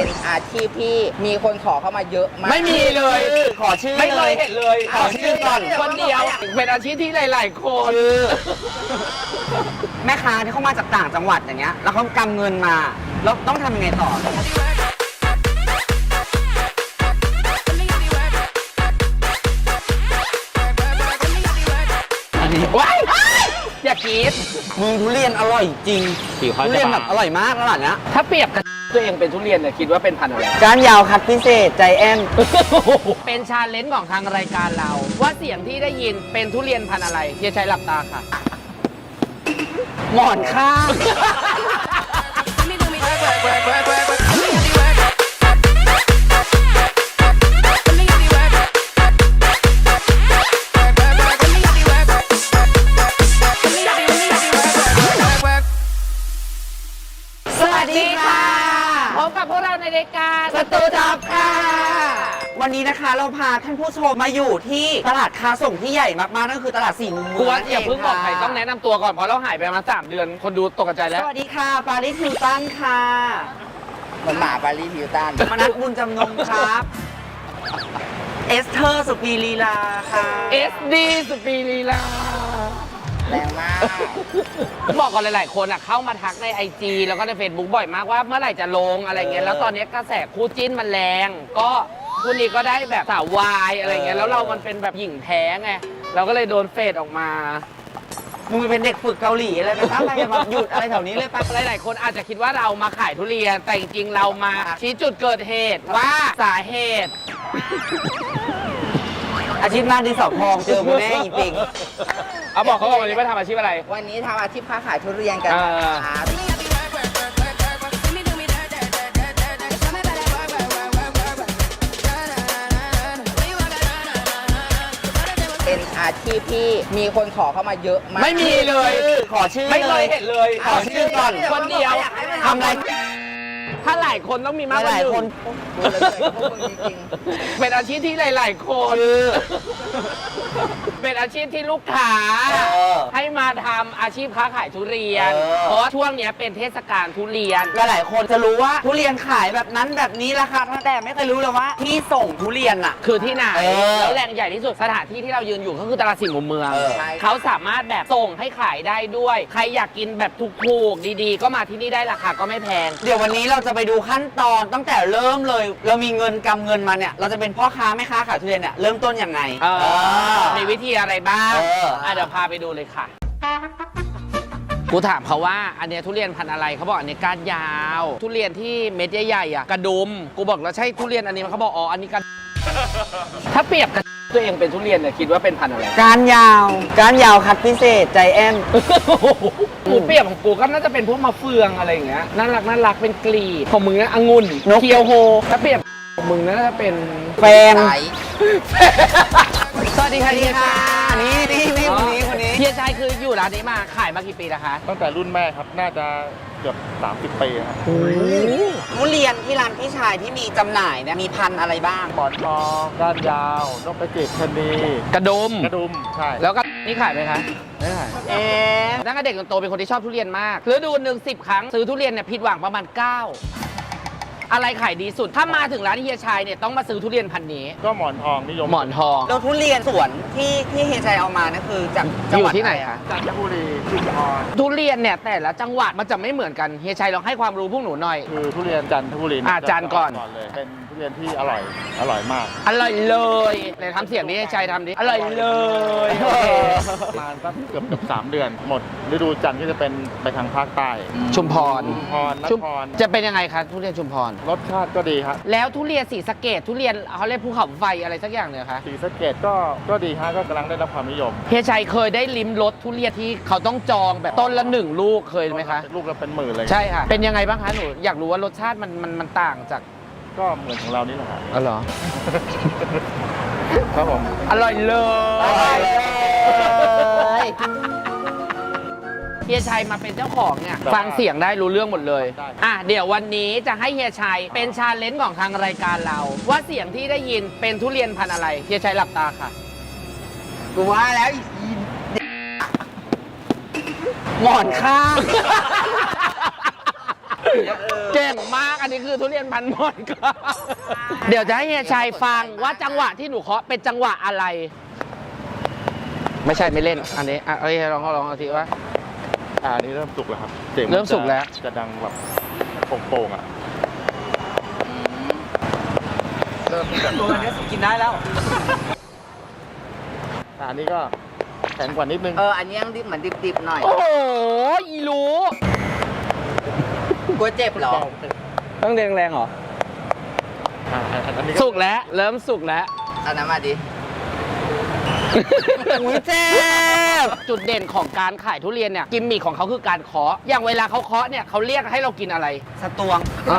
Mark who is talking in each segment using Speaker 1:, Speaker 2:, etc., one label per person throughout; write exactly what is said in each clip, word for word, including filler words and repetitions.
Speaker 1: เป็นอาชีพที่มีคนขอเข้ามาเยอะมาก
Speaker 2: ไม่มีเลย
Speaker 3: ขอชื่อ
Speaker 2: ไม่เคยเห็นเลย
Speaker 3: ขอชื่อก่อน
Speaker 2: คนเดียวเป็นอาชีพที่หลายๆคน
Speaker 3: แม่ค้าที่เขามาจากต่างจังหวัดอย่างเงี้ยแล้วเขากำเงินมาแล้วต้องทำยังไงต่อ
Speaker 2: ว้ายอย่ากรี๊ด
Speaker 3: มึงทุเรียนอร่อยจริงทุเรียนแบบอร่อยมากขนาดนี้
Speaker 2: ถ้าเปรียบกับตัวเองเป็นทุเรียนเนี่ยคิดว่าเป็นพันธุ์อะไร
Speaker 3: ก้านยาวคัดพิเศษใจแอน
Speaker 2: เป็นชาเลนจ์ของทางรายการเราว่าเสียงที่ได้ยินเป็นทุเรียนพันธุ์อะไรเฮียชัยหลับตาค่ะ
Speaker 3: หมอนข้าง
Speaker 2: พบกับพวกเราในรายการสตูด็อกค่ะ
Speaker 3: วันนี้นะคะเราพาท่านผู้ชมมาอยู่ที่ตลาดค้าส่งที่ใหญ่มากๆนั่นคือตลาดสี่มุมเมือง
Speaker 2: กวนอย่าเพิ่งบอกใครต้องแนะนำตัวก่อนเพราะเราหายไปมาสามเดือนคนดูตกใจแล้ว
Speaker 3: สวัสดีค่ะปาริสฮิลตันค่ะ
Speaker 1: เหมือนหมาปาริสฮิลตัน
Speaker 3: มนัสบุญจำนงครับเอสเธอร์สุปีลีลาค่ะ
Speaker 2: เอสดีสุปีลีลา
Speaker 1: แรงมาก
Speaker 2: บอกก่อนหลายๆคนอ่ะเข้ามาทักใน ไอ จี แล้วก็ใน เฟซบุ๊ก บ่อยมากว่าเมื่อไหร่จะลงอะไรเงี้ยแล้วตอนนี้กระแสคู่จิ้นมันแรงก็คู่นี้ก็ได้แบบสาววายอะไรเงี้ยแล้วเรามันเป็นแบบหญิงแท้ไงเราก็เลยโดนเฟดออกมา
Speaker 3: มึงเป็นเด็กฝึกเกาหลีอะไรไปตั้งใจมาหยุดอะไรแถวนี้เลยปะ
Speaker 2: หลายๆคนอาจจะคิดว่าเรามาขายทุเรียนแต่จริงๆเรามาชี้จุดเกิดเหตุว่าสาเหตุ
Speaker 3: อาชีพหน้าดินสอพองเจอคุณแม่อีปิง
Speaker 2: เอาบอกเขาว่าวันนี้มาทำอาชีพอะไร
Speaker 1: วันนี้ทำอาชีพค้าขายทุเรียนกันครับเป็นอาชีพที่มีคนขอเข้ามาเยอะมาก
Speaker 2: ไม่มีเลย
Speaker 3: ขอชื่อ
Speaker 2: ไม่เคยเห็นเลย
Speaker 3: ขอชื่อก่อน
Speaker 2: คนเดียว
Speaker 3: ทำอะไร
Speaker 2: ถ้าหลายคนต้องมีมากกว่าหนึ่งเป็นอาชีพที่หลายๆคนเป็นอาชีพที่ลูกค้าให้มาทำอาชีพค้าขายทุเรียนเพราะช่วงนี้เป็นเทศกาลทุเรียน
Speaker 3: หลายคนจะรู้ว่าทุเรียนขายแบบนั้นแบบนี้ราคาแต่ไม่เคยรู้เลยว่าที่ส่งทุเรียนอ่ะ
Speaker 2: คือที่ไหนแล้วแหล่งใหญ่ที่สุดสถานที่ที่เรายืนอยู่ก็คือตลาดสี่มุมเมืองเขาสามารถแบบส่งให้ขายได้ด้วยใครอยากกินแบบถูกๆดีๆก็มาที่นี่ได้ราคาก็ไม่แพง
Speaker 3: เดี๋ยววันนี้เราจะไปดูขั้นตอนตั้งแต่เริ่มเลยเรามีเงินกำเงินมาเนี่ยเราจะเป็นพ่อค้าแม่ค้าขายทุเรียนเนี่ยเริ่มต้นยังไง
Speaker 2: มีวิธีอะไรบ้างเดี๋ยวพาไปดูเลยค่ะกูถามเขาว่าอันนี้ทุเรียนพันธุ์อะไรเขาบอกอันนี้ก้านยาวทุเรียนที่เม็ดใหญ่ๆอ่ะกระดุมกูบอกแล้วใช่ทุเรียนอันนี้เขาบอกอ๋ออันนี้กระถ้าเปรียบกับตัวเองเป็นทุเรียนเนี่ยคิดว่าเป็นพันธุ์อะไร
Speaker 3: ก้านยาวก้านยาวคัดพิเศษใจแอน
Speaker 2: กูเปรียบของกูก็น่าจะเป็นพวกมะเฟืองอะไรอย่างเงี้ยน่ารักน่ารักเป็นกลีบของมึงนะองุ่นเคียวโฮถ้าเปรียบของมึงน่าจะเป็น
Speaker 3: แฟน
Speaker 2: สวัสดีค่ะนี่ค่ะ
Speaker 3: นี่นี่นี่คนนี้คนนี้
Speaker 2: เฮียชัยคืออยู่ร้านนี้มาขายมากี่ปีแล้วคะ
Speaker 4: ตั้งแต่รุ่นแม่ครับน่าจะเกือบสามสิบปีครับ
Speaker 3: ทุเรียนที่ร้านพี่ชายที่มีจำหน่ายเนี่ยมีพันธุ์อะไรบ้าง
Speaker 4: หมอนทองก้านยาวนกกระจิบชะนี
Speaker 2: กระดุม
Speaker 4: กระดุมใช่
Speaker 2: แล้วก็นี่ขายไหมคะ
Speaker 3: ไม่ขาย
Speaker 2: เอ๊ะตั้งแต่เด็กจนโตเป็นคนที่ชอบทุเรียนมากฤดูหนึ่งสิบครั้งซื้อทุเรียนเนี่ยผิดหวังประมาณเก้าอะไรขายดีสุดถ้ามาถึงร้านเฮียชัยเนี่ยต้องมาซื้อทุเรียนพันนี้
Speaker 4: ก็หมอนทองนิยม
Speaker 2: หมอนทอง
Speaker 3: แล้วทุเรียนสวนที่ที่เฮียชัยเอามานี่คือจากจังหวัด
Speaker 2: ที่ไหนคะ
Speaker 4: จันทบุรีชุมพร
Speaker 2: ทุเรียนเนี่ยแต่ละจังหวัดมันจะไม่เหมือนกันเฮียชัยลองให้ความรู้พวกหนูหน่อย
Speaker 4: คือทุเรียนจันทบุรี
Speaker 2: อ่าจันก่อน
Speaker 4: เลยเป็นทุเรียนที่อร่อยอร่อยมาก
Speaker 2: อร่อยเลยเลยทำเสียงนี้เฮียชัยทำดิอร่อยเลย
Speaker 4: ประมาณสักเกือบเกือบสามเดือนหมดฤดูจันทร์ก็จะเป็นไปทางภาคใต้
Speaker 2: ชุมพร
Speaker 4: ชุมพรนคร
Speaker 2: จะเป็นยังไงคะทุเรียนชุมพร
Speaker 4: รสชาติก็ดีครับ
Speaker 2: แล้วทุเรียนศรีสะเกษทุเรียนเขาเรียกภูเขาไฟอะไรสักอย่างเนี่ยคะ
Speaker 4: ศรีสะเกษก็ก็ดีฮะก็กำลังได้รับความนิยม
Speaker 2: เฮียชัยเคยได้ลิ้มรสทุเรียนที่เขาต้องจองแบบต้นละหนึ่งลูกเคยไหมคะ
Speaker 4: ลูกละเป็นหมื่นเลย
Speaker 2: ใช่ค่ะเป็นยังไงบ้างคะหนูอยากรู้ว่ารสชาติมันมันมันต่างจาก
Speaker 4: ก็เหมือนของเรานี่แหละครับ
Speaker 2: อ๋อเหรอ
Speaker 4: ครับผม
Speaker 2: อร่อยเลยอร่อยเลยเฮียชัยมาเป็นเจ้าของเนี่ยฟังเสียงได้รู้เรื่องหมดเลยอ่ะเดี๋ยววันนี้จะให้เฮียชัยเป็นชาเลนจ์ของทางรายการเราว่าเสียงที่ได้ยินเป็นทุเรียนพันธุ์อะไรเฮียชัยหลับตาค่ะ
Speaker 3: กูว่าแล้วหมอนข้าง
Speaker 2: เก่งมากอันนี้คือทุเรียนพันหมอนครับ เดี๋ยวจะให้เฮียชัยฟังว่าจังหวะที่หนูเคาะเป็นจังหวะอะไร ไม่ใช่ไม่เล่นอันนี้อ่ะเอ้ยลองลองเอาทีว่า
Speaker 4: อ่าอันนี้เริ่มสุกแล้วครับสียงน
Speaker 2: เริ่มสุกแล้ว
Speaker 4: จะดังแบบโป่งๆอ่ะเริ่มจาก
Speaker 3: ตัวนี้สุกินได้แล้ว
Speaker 4: อ่าอันนี้ก็แข็งกว่านิดนึง
Speaker 1: เออ อันนี้ยังดิบเหมือนดิบๆหน่อย
Speaker 2: โอ้โหอีรู้
Speaker 1: กลัวเจ็บเหรอ
Speaker 3: ต้องแรงแรงๆเหรอ
Speaker 4: อ่าอันนี้
Speaker 2: สุกแล้วเริ่มสุกแล้ว
Speaker 1: เอาน้ำมาดิ
Speaker 3: อุ้ยเจ็บ
Speaker 2: จุดเด่นของการขายทุเรียนเนี่ยกิมมิคของเขาคือการเคาะอย่างเวลาเขาเคาะเนี่ยเขาเรียกให้เรากินอะไร
Speaker 3: สตวง
Speaker 2: อ่ะ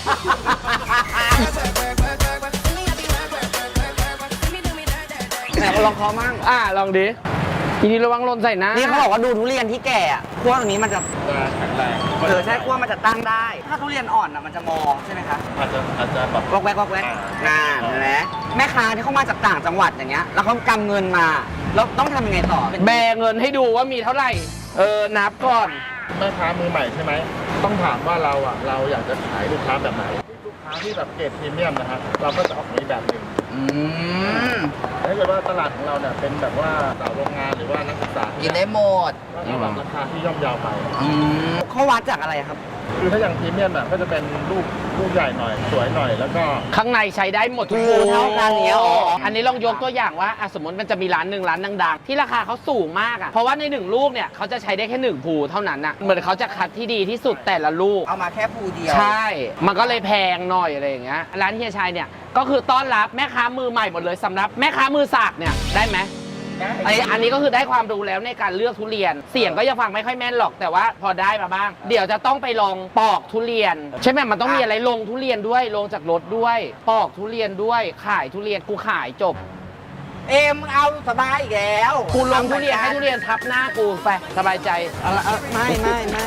Speaker 3: ไหนลองเคาะมั่ง
Speaker 2: อ่ะลองดิทีนี้ระวังหล่นใส่หน้า
Speaker 3: นี่เขาบอกว่าดูทุเรียนที่แก่อะขั้วตรงนี้มันจะ
Speaker 4: จะแข็งแรง
Speaker 3: เออใช่ขั้วมันจะตั้งได้ ถ้าทุเรียนอ่อนอะมันจะมองใช่ไหมคะ
Speaker 4: อาจจะอาจจะแบบ
Speaker 3: วอกแวกวอกแวกนานเห็นไหมแม่ค้าที่เขามาจากต่างจังหวัดอย่างเงี้ย แล้วเขากำเงินมา แล้วต้องทำยังไงต่อ
Speaker 2: แบเงินให้ดูว่ามีเท่าไหร่ เออนับก่อน
Speaker 4: แม่ค้ามือใหม่ใช่ไหมต้องถามว่าเราอ่ะเราอยากจะขายลูกค้าแบบไหนลูกค้าที่แบบเกรดพรีเมียมนะครับเราก็จะออกในแบบหนึ่ง
Speaker 1: อืม
Speaker 4: ถ้าเกิดว่าตลาดของเราเนี่ยเป็นแบบว่าสาวโรงงานหรือว่านักศึกษา
Speaker 1: กินได้หมด
Speaker 4: ก็จะแบบราคาที่ย่อมเยาวไป
Speaker 1: อืม
Speaker 3: เขาวัดจากอะไรครับ
Speaker 4: คือถ้าอย่างพรีเมียมอ่ะก็จะเป็นลูกลูกใหญ่หน่อย สวยหน่อยแล้วก็
Speaker 2: ข้างในใช้ได้หมดทุก
Speaker 3: คือเท่ากันเนี้ยอ๋อ
Speaker 2: อันนี้ลองยกตัวอย่างว่าอ่ะสมมติมันจะมีร้านหนึ่งร้านดังๆ ที่ราคาเขาสูงมากอ่ะ เพราะว่าในหนึ่งลูกเนี่ยเขาจะใช้ได้แค่หนึ่งภูเท่านั้นอ่ะ เหมือนเขาจะคัดที่ดีที่สุดแต่ละลูก
Speaker 1: เอามาแค่ภูเดียว
Speaker 2: ใช่ มันก็เลยแพงหน่อยอะไรอย่างเงี้ย ร้านเฮียชัยเนี่ยก็คือต้อนรับแม่ค้ามือใหม่หมดเลยสำหรับแม่ค้ามือสากเนี่ยได้ไหม อันนี้อันนี้ก็คือได้ความรู้แล้วในการเลือกทุเรียน เสียงก็ยังฟังไม่ค่อยแม่นหรอกแต่ว่าพอได้มาบ้าง เดี๋ยวจะต้องไปลองปอกทุเรียน ใช่ไหมมันต้องมีอะไรลงทุเรียนด้วยลงจากรถด้วย ปอกทุเรียนด้วยขายทุเรียนกูขายจบ
Speaker 1: เอ็มเอาสบายอีกแล้ว
Speaker 2: กูลงทุเรียนให้ทุเรียนทับหน้ากูไปสบายใจ
Speaker 3: เอาละเอาไม่ไม่ไม่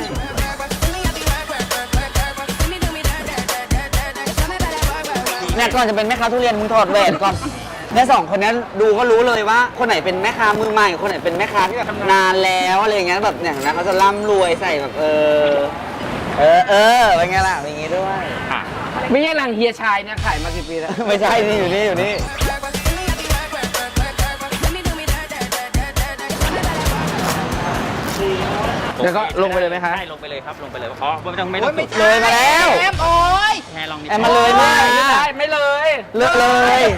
Speaker 3: เนี่ยก่อนจะเป็นแม่ค้าทุเรียนมึงถอดแหวนก่อนเนี่ยสองคนนี้ดูก็รู้เลยว่า คนไหนเป็นแม่ค้ามือใหม่คนไหนเป็นแม่ค้าที่แบบนานแล้วอะไรอย่างเงี้ยแบบเนี่ยนะเขาจะร่ำรวยใส่แบบเออเออเออเป็นไงล่ะเป็นอย่างงี้ด้วย
Speaker 2: ไม่ใช่รังเฮียชัยเนี่ยขายมากี่ปีแล้ว
Speaker 3: ไม่ใช่นี่อยู่นี่อยู่นี่
Speaker 2: เดี๋ยวก็ลงไปเลยไหมคะ
Speaker 5: ใช่ลงไปเลยครับ ลงไปเลยเพราะไม่ต้องไม่ต้
Speaker 1: โอ้
Speaker 5: อย ง
Speaker 1: ไม่
Speaker 5: สุก
Speaker 1: ใช่
Speaker 3: เลยมาแล้ว
Speaker 1: เอ็มโอ้ย
Speaker 5: แค่ลองนิด
Speaker 3: แอมมาเลย
Speaker 2: ไม่
Speaker 3: ไม่
Speaker 2: ได้ไม่เลย
Speaker 3: เลือกเลย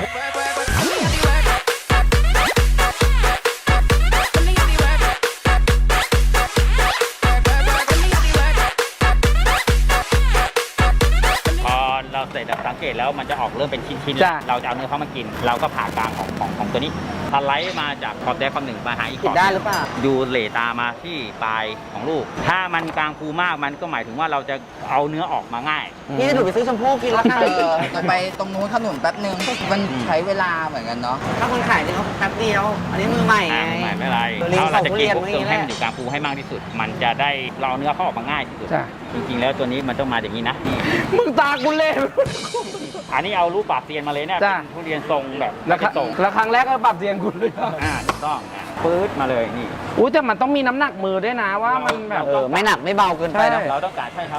Speaker 5: พอเราเสร็จสังเกตแล้วมันจะออกเริ่มเป็นชิ้นๆ
Speaker 2: จ้ะ
Speaker 5: แล้วเราจะเอาเนื้อเข้ามากิน เราก็ผ่ากลางของของของตัวนี้สไลด์มาจากขอบใดขอบหนึ่งมาหาอีกข
Speaker 3: ผิด
Speaker 5: อบ
Speaker 3: ได้หรือเปล่า
Speaker 5: ดูเหลตามาที่ปลายของลูก ถ้ามันกลางภูมากมันก็หมายถึงว่าเราจะเอาเนื้อออกมาง่าย
Speaker 3: พี่จะดูดไปซื้อชมพู่กินแล้วกัน
Speaker 1: เออจะไปตรงนู้นถนนแป๊บนึง มันใช้เวลาเหมือนกันเนาะ
Speaker 3: ถ้าคนขายเนี่ยเขาแป๊บเดียว อันนี้มือใหม่ไง
Speaker 5: อ่าไม่เป็นไร
Speaker 3: ลิง
Speaker 5: เรา
Speaker 3: สอ
Speaker 5: เรา
Speaker 3: ง
Speaker 5: จะ
Speaker 3: ทุ
Speaker 5: กิ
Speaker 3: เรี
Speaker 5: น
Speaker 3: ยน
Speaker 5: ปุ๊บ
Speaker 3: เมื่อ
Speaker 5: เติม
Speaker 3: กี้แห
Speaker 5: ให้
Speaker 3: ละ
Speaker 5: มันอยู่กลางภูให้มากที่สุด มันจะได้เราเอาเนื้อเข้าออกมาง่ายที่สุด
Speaker 2: จ้ะ
Speaker 5: จริงๆแล้วตัวนี้มันต้องมาอย่างนี้นะนี่
Speaker 2: มึงตากูเล่
Speaker 5: อันนี้เอารูปปากเซียนมาเลยเนี่ย
Speaker 2: จ้ะ
Speaker 5: เป็นทุเรียนทรงแบบ
Speaker 2: แล้วค
Speaker 5: ไม่
Speaker 2: รั้ง
Speaker 5: ได้ทรง
Speaker 2: แล้วครั้งแรกก็ปรับเสียงกูเลย
Speaker 5: อ่าถูกต้องอ่ะปื๊ดมาเลยนี่
Speaker 2: อุ้ยแต่มันต้องมีน้ำหนักมือด้วยนะว่ามันแบบ
Speaker 3: เออ ไม่หนักไม่เบาเกินไปนะ
Speaker 2: ใช่
Speaker 5: เราต้องการใช่ครับ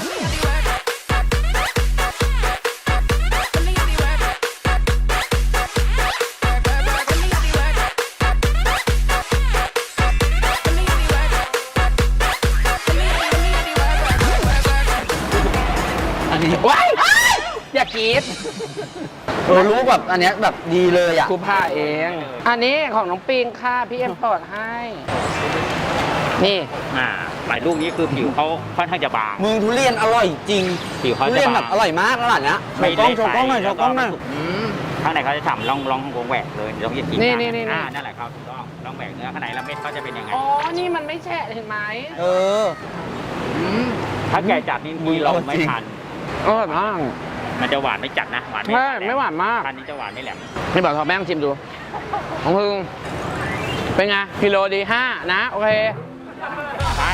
Speaker 3: อันนี้
Speaker 2: ว้ายอย่ากรีด
Speaker 3: เออรู้แบบอันเนี้ยแบบดีเลยอ่ะ
Speaker 2: กูผ้าเอง อันนี้ของน้องปิงค่ะพี่เอ็มปอดให้ นี่
Speaker 5: อ่าหลายลูกนี้คือผิวเขาค่อนข้างจะบาง
Speaker 3: มึงทุเรียนอร่อยจริง
Speaker 5: ผิวเขา
Speaker 3: ทุ
Speaker 5: จะ
Speaker 3: เรียน
Speaker 5: บาง
Speaker 3: แบบอร่อยมากแล้วล่ะเนี้ยโชว์กล้องโชว์กล้องหน่อยโชว์กล้องหน่อย
Speaker 1: อืม
Speaker 5: ข้างในเขาจะฉ่ำลองลองวงแหวกเลยเดี๋ยวต้องจะกิน
Speaker 2: นี่นี่นี่
Speaker 5: อ่านั่นแหละครับถูกต้องลองแหวกเนื้อข้างในแล้วเม็ดเขาจะเป็นยังไง
Speaker 2: อ๋อ นี่มันไม่แฉะเห็นไหม
Speaker 3: เออ
Speaker 1: อืม
Speaker 5: ถ้าแก่จัดนี่มีเราไม่ทัน
Speaker 2: อร่อยมาก
Speaker 5: มันจะหวานไม่จัดนะหวาน
Speaker 2: ใช่ไม่หวานมาก
Speaker 5: อันนี้จะหวานไม่แหลม
Speaker 2: นี่บอกทอแม่งชิมดู ของพึ่งเป็นไงกิโลดีห้านะ โอเค
Speaker 5: ใช่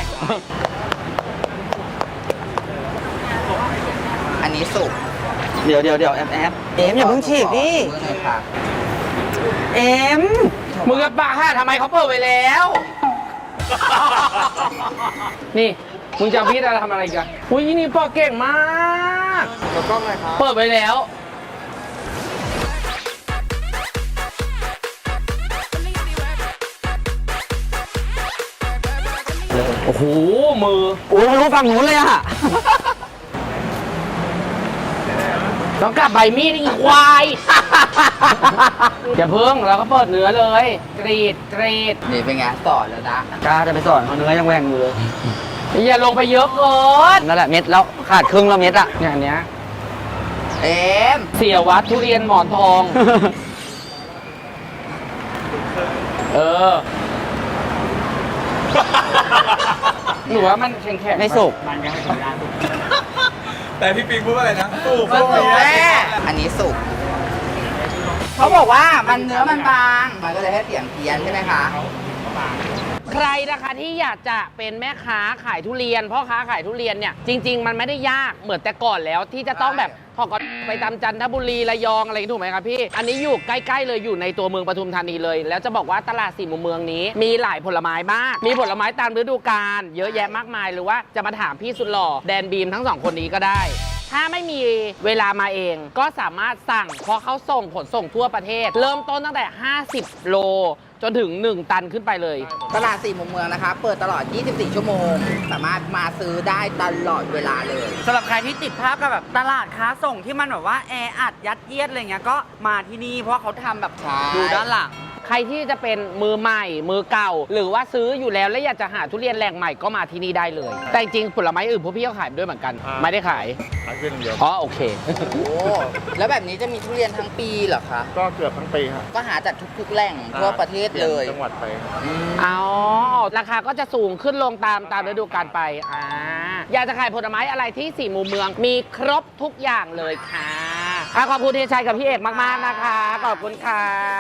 Speaker 1: อันนี้สุก
Speaker 3: เดี๋ยวเดี๋ยวเดี๋ยวแอมแอมเอ็มอย่าเพิ่งฉีกดิ
Speaker 1: มือหน่อยค่ะ
Speaker 3: เอ็ม
Speaker 2: มึงกับปากห้าทำไมเขาเปิดไว้แล้ว นี่มึงจะเอาพี่จะทำอะไรกันอุ้ยนี่ปอกเก่งมาก
Speaker 4: แล้วก็ไงครับ
Speaker 2: เปิดไปแล้วโอ้โหมือ
Speaker 3: โอ้ยรู้ฝั่งนู้นเลยอะ
Speaker 2: ต้องกลับใบมีดอีกควาย อย่าเพิ่งเราก็เปิดเนื้อเลย กรีดกรีด
Speaker 1: นี่เป็นไงสอนแล้วนะ
Speaker 3: กล้าจะไปสอนเขาเนื้อยังแหว่งอยู่เลย
Speaker 2: อย่าลงไปเยอะเกิน
Speaker 3: นั่นแหละเม็ดแล้วขาดครึ่งแล้วเม็ดอะ
Speaker 2: เนี่ยอันเนี้ย
Speaker 1: เอ็ม
Speaker 2: เสียวัดทุเรียนหมอนทอง เออ หนูว่ามันแข็งแข็ง
Speaker 3: ไม่สุก
Speaker 2: มันยังไม่ถึงร้าน
Speaker 6: แต่พี่ปิงพูดว่าอะไรนะสู้
Speaker 1: มันสุกแม่อันนี้สุกเขาบอกว่ามันเนื้อมันบาง มันก็เลยให้เสียงเพี้ยนใช่ไหมคะ
Speaker 2: ใครนะคะที่อยากจะเป็นแม่ค้าขายทุเรียนพ่อค้าขายทุเรียนเนี่ยจริง ๆ มันไม่ได้ยากเหมือนแต่ก่อนแล้วที่จะต้องแบบพอก็ไปตามจันทบุรีระยองอะไรอย่างนี้ถูกไหมครับพี่อันนี้อยู่ใกล้ๆเลยอยู่ในตัวเมืองปทุมธานีเลย แล้วจะบอกว่าตลาดสี่มุมเมืองนี้ มีหลายผลไม้มากมีผลไม้ตามฤดูกาลเยอะแยะมากมายหรือว่าจะมาถามพี่สุดหล่อแดนบีมทั้งสองคนนี้ก็ได้ ถ้าไม่มีเวลามาเองก็สามารถสั่งเพราะเขาส่งขนส่งทั่วประเทศ เริ่มต้นตั้งแต่ห้าสิบโลจนถึงหนึ่งตันขึ้นไปเลย
Speaker 1: ตลาดสี่มุมเมืองนะคะ เปิดตลอด ยี่สิบสี่ ชั่วโมง สามารถมาซื้อได้ตลอดเวลาเลย
Speaker 3: สำหรับใครที่ติดภาพกับแบบตลาดค้าส่งที่มันแบบว่าแออัดยัดเยียดอะไรเงี้ยก็มาที่นี่เพราะเขาทำแบบ
Speaker 1: ใช่
Speaker 3: ดูด้านหลัง
Speaker 2: ใครที่จะเป็นมือใหม่มือเก่า หรือว่าซื้ออยู่แล้วและอยากจะหาทุเรียนแหล่งใหม่ก็มาที่นี่ได้เลย แต่จริงๆผลไม้อื่นพวกพี่ก็ขายด้วยเหมือนกัน ไม่ได้ขาย
Speaker 4: ขายเพียงเดียว
Speaker 2: อ๋อโอเค
Speaker 1: โอ้แล้วแบบนี้จะมีทุเรียนทั้งปีเหรอคะ
Speaker 4: ก็เกือบทั้งปีครับ
Speaker 1: ก็หาจากทุกๆแหล่งทั่วประเทศเลย
Speaker 4: จังหวัดไป
Speaker 1: อืม
Speaker 2: อ๋อราคาก็จะสูงขึ้นลงตามตามฤดูกาลไปอ่าอยากจะขายผลไม้อะไรที่สี่มุมเมือง มีครบทุกอย่างเลยค่ะอ่ะขอบคุณที่ชัยกับพี่เอกมากๆนะคะขอบคุณค่ะ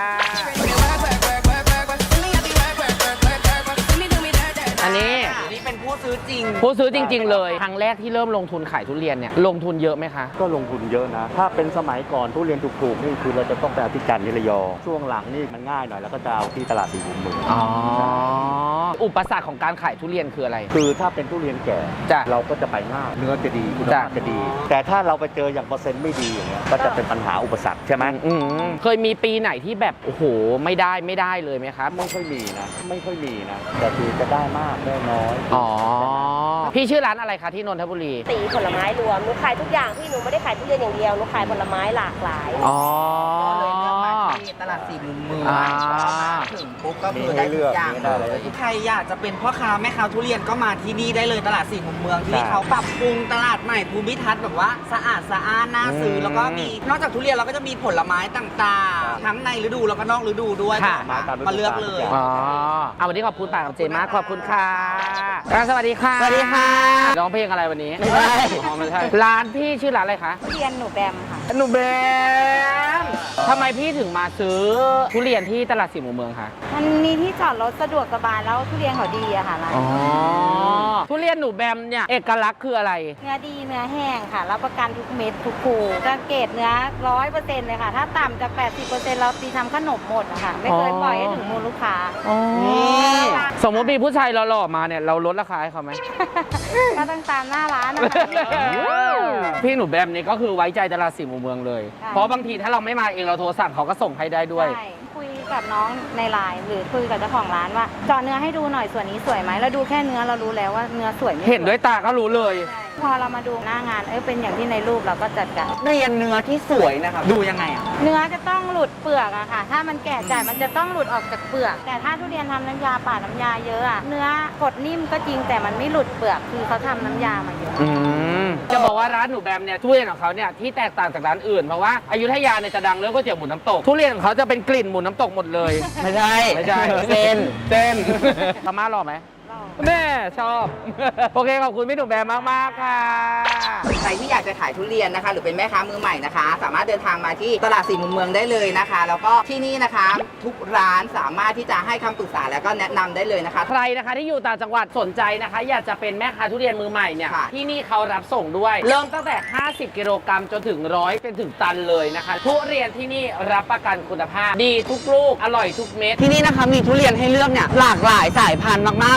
Speaker 2: อันนี้
Speaker 3: นี่เป็นผู้ซื้อจริง
Speaker 2: ผู้ซื้อจริง ๆ เลย ครั้งแรกที่เริ่มลงทุนขายทุเรียนเนี่ยลงทุนเยอะไหมคะ
Speaker 4: ก็ลงทุนเยอะนะ ถ้าเป็นสมัยก่อนทุเรียนถูกๆนี่คือเราจะต้องไปเอาที่จันทร์นิระยองช่วงหลังนี่มันง่ายหน่อยแล้วก็จะเอาที่ตลาดสี่มุมเมือง
Speaker 2: อ๋อ อุปสรรคของการขายทุเรียนคืออะไร
Speaker 4: คือถ้าเป็นทุเรียนแก่
Speaker 2: จ้ะ
Speaker 4: เราก็จะไปง่ายเนื้อจะดีคุณภาพ
Speaker 2: จ้ะ
Speaker 4: จะดี แต่ถ้าเราไปเจออย่างเปอร์เซ็นต์ไม่ดีอย่างเงี้ยก็จะเป็นปัญหาอุปสรรคใช่ไหม
Speaker 2: อืมเคยมีปีไหนที่แบบโอ้โหไม่ได้ไม่ได้เลยไหมครับ
Speaker 4: ไม่ค่อยมีนะ ไม่ค่อยมีนะ แต่คือจะได้มากได้น้อย
Speaker 2: อ๋อ พี่ชื่อร้านอะไรคะที่นนทบุรี
Speaker 7: ตีผลไม้รวมหนูขายทุกอย่างที่หนูไม่ได้ขายทุเรียนอย่างเดียวหนูขายผลไม้หลากหลาย
Speaker 2: อ๋อ
Speaker 1: ก็เลยเลือกมาที่ตลาดสี่มุมเมือง
Speaker 2: อ่า
Speaker 1: มาถึงปุ๊บก็คือได้ทุกอย่างเลย
Speaker 3: ใครอยากจะเป็นพ่อค้าแม่ค้าทุเรียนก็มาที่นี่ได้เลยตลาดสี่มุมเมืองที่นี่เขาปรับปรุงตลาดใหม่ภูมิทัศน์แบบว่าสะอาดสะอ้านน่าซื้อแล้วก็มีนอกจากทุเรียนเราก็จะมีผลไม้ต่างๆ ทั้งในฤดูแล้วก็นอกฤดูด้วย
Speaker 2: ค่ะ
Speaker 3: มามาเลือกเลย
Speaker 2: อ๋อเอาวันนี้ขอบคุณป่ากับเจมากขอบคุณค่ะอ่ะสวัสดีค่ะ
Speaker 3: สวัสดีค่ะ
Speaker 2: ร้องเพลงอะไรวันนี้
Speaker 3: ไม่ใช่
Speaker 2: อ๋อไม่ใช่ร้านพี่ชื่อร้านอะไรคะ
Speaker 7: ทุเรียนหนูแบมค่ะ
Speaker 2: หนูแบมทำไมพี่ถึงมาซื้อทุเรียนที่ตลาดสี่มุมเมืองคะ
Speaker 7: มันมีที่จอดรถสะดวกสบายแล้วทุเรียนเขาดีอะค่ะร้าน
Speaker 2: อ๋อทุเรียนหนูแบมเนี่ยเอกลักษณ์คืออะไร
Speaker 7: เนื้อดีเนื้อแห้งค่ะรับประกันทุกเม็ดทุกภูจะเกรดเนื้อร้อยเปอร์เซ็นต์เลยค่ะ ถ้าต่ำจากแปดสิบเปอร์เซ็นต์เราตีทำขนมหมดอะค่ะ ไม่เคยปล่อยให้ถึงมือลูกค้า
Speaker 3: นี่
Speaker 2: สมมติมีผู้ชายหล่อๆมาเนี่ยเราลดราคาให้เขาไหม
Speaker 7: ก็ต้องตามหน้าร้านนะคะ
Speaker 2: พี่หนูแบมนี่ก็คือไว้ใจตลาดสี่มุมเมืองเลย
Speaker 7: ใช่
Speaker 2: เพราะบางทีถ้าเราไม่มาเองเราโทรสั่งเขาก็ส่งให้ได้ด้วย
Speaker 7: ใช่คุยกับน้องในไลน์หรือคุยกับเจ้าของร้านว่าเจาะเนื้อให้ดูหน่อยส่วนนี้สวยไหมเราดูแค่เนื้อเรารู้แล้วว่าเนื้อสวยไม่ส
Speaker 2: เห็นด้วยตาก็รู้เลย
Speaker 7: ใช่พอเรามาดูหน้างานเออเป็นอย่างที่ในรูปเราก็จัดการ
Speaker 3: เรียนเนื้อที่สวยนะครับดูยังไงอ่ะ
Speaker 7: เนื้อจะต้องหลุดเปลือกอะค่ะ ถ้ามันแก่จัดมันจะต้องหลุดออกจากเปลือก แต่ถ้าทุเรียนทำน้ำยาป่าดน้ำยาเยอะอะเนื้อกดนิ่มก็จริงแต่มันไม่หลุดเปลือกคือเขาทำน้ำยามาเยอะ
Speaker 2: อืมจะบอกว่าร้านหนูแบมเนี่ยทุเรียนของเขาเนี่ยที่แตกต่างจากร้านอื่นเพราะว่าอยุธยาเนี่ยจะดังเรื่องก๋วยเตี๋ยวหมูน้ำตกทุเรียนของเขาจะเป็นกลิ่นหมูน้ำตกหมดเลย
Speaker 3: ไม่ใช่
Speaker 2: ไม่ใช่
Speaker 3: เส้น
Speaker 2: เส้นพม่ารอไหมแม่ชอบ โอเคขอบคุณพี่หนูแบมมากๆค่ะ
Speaker 1: ใครที่อยากจะขายทุเรียนนะคะ หรือเป็นแม่ค้ามือใหม่นะคะ สามารถเดินทางมาที่ตลาดสี่มุมเมืองได้เลยนะคะ แล้วก็ที่นี่นะคะ ทุกร้านสามารถที่จะให้คำปรึกษาแล้วก็แนะนำได้เลยนะคะ
Speaker 2: ใครนะคะที่อยู่ต่างจังหวัดสนใจนะคะ อยากจะเป็นแม่ค้าทุเรียนมือใหม่เนี่ย
Speaker 1: ค่ะ
Speaker 2: ที่นี่เขารับส่งด้วย เริ่มตั้งแต่ ห้าสิบ กิโลกรัมจนถึงร้อยเป็นถึงตันเลยนะคะทุเรียนที่นี่รับประกันคุณภาพ ดีทุกลูกอร่อยทุกเม็ด
Speaker 3: ที่นี่นะคะมีทุเรียนให้เลือกเนี่ยหลากหลายสายพันธุ์มากๆ แล้วก็มี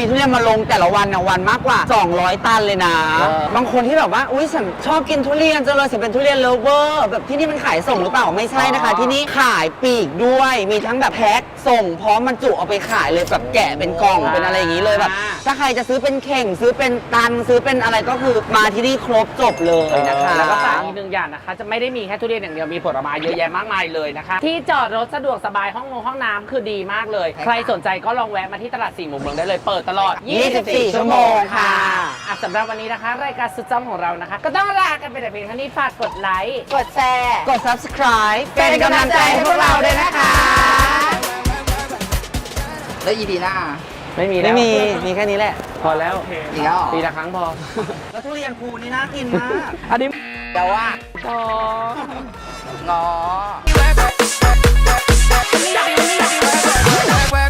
Speaker 3: ทุเรียนมาลงแต่ละวันนะวันมากกว่าสองร้อยตันเลยนะ
Speaker 2: เออ
Speaker 3: บางคนที่แบบว่าอุ้ยฉันชอบกินทุเรียนจังเลยฉันเป็นทุเรียนเลฟเวอร์แบบที่นี่มันขายส่งหรือเปล่าไม่ใช่นะคะ ที่นี่ขายปลีกด้วยมีทั้งแบบแพ็คส่งพร้อมบรรจุเอาไปขายเลยแบบแกะเป็นกล่องเป็นอะไรอย่างนี้เลยแบบถ้าใครจะซื้อเป็นเข่งซื้อเป็นตันซื้อเป็นอะไรก็คือมาที่นี่ครบจบเลยนะคะ
Speaker 2: แล้วก็ฝากอีกหนึ่งอย่างนะคะ จะไม่ได้มีแค่ทุเรียนอย่างเดียวมีผลไม้เยอะแยะมากมายเลยนะคะ ที่จอดรถสะดวกสบายห้องนงห้องน้ำคือดีมากเลย ใครสนใจก็ลองแวะมาที่ตลาดสี่มุมเมืองได้เลยเปิดตลอด
Speaker 3: ยี่สิบสี่ ชั่วโมงค่ะ
Speaker 2: อ่ะสำหรับวันนี้นะคะ รายการสุดจ้ำของเรานะคะ ก็ต้องลากันไปแต่เพียงเท่านี้ฝากกดไลค์
Speaker 1: กดแชร์
Speaker 3: กด subscribe
Speaker 1: เป็นกำลังใจให้พวกเราด้วยนะคะ แล้ว อี พี หน้า
Speaker 2: ไม่มีแล้
Speaker 3: ไม่
Speaker 2: ว
Speaker 3: มี มีแค่นี้แหละ
Speaker 2: พอแล้ว
Speaker 1: อีกแล้วเหรอ
Speaker 2: ปีละครั้งพอ
Speaker 3: แล้วทุเรียนภูนี่น่ากินมาก
Speaker 2: อันนี้
Speaker 1: เดี๋ยวว่า
Speaker 2: อ๋อ
Speaker 1: งอ
Speaker 6: Work,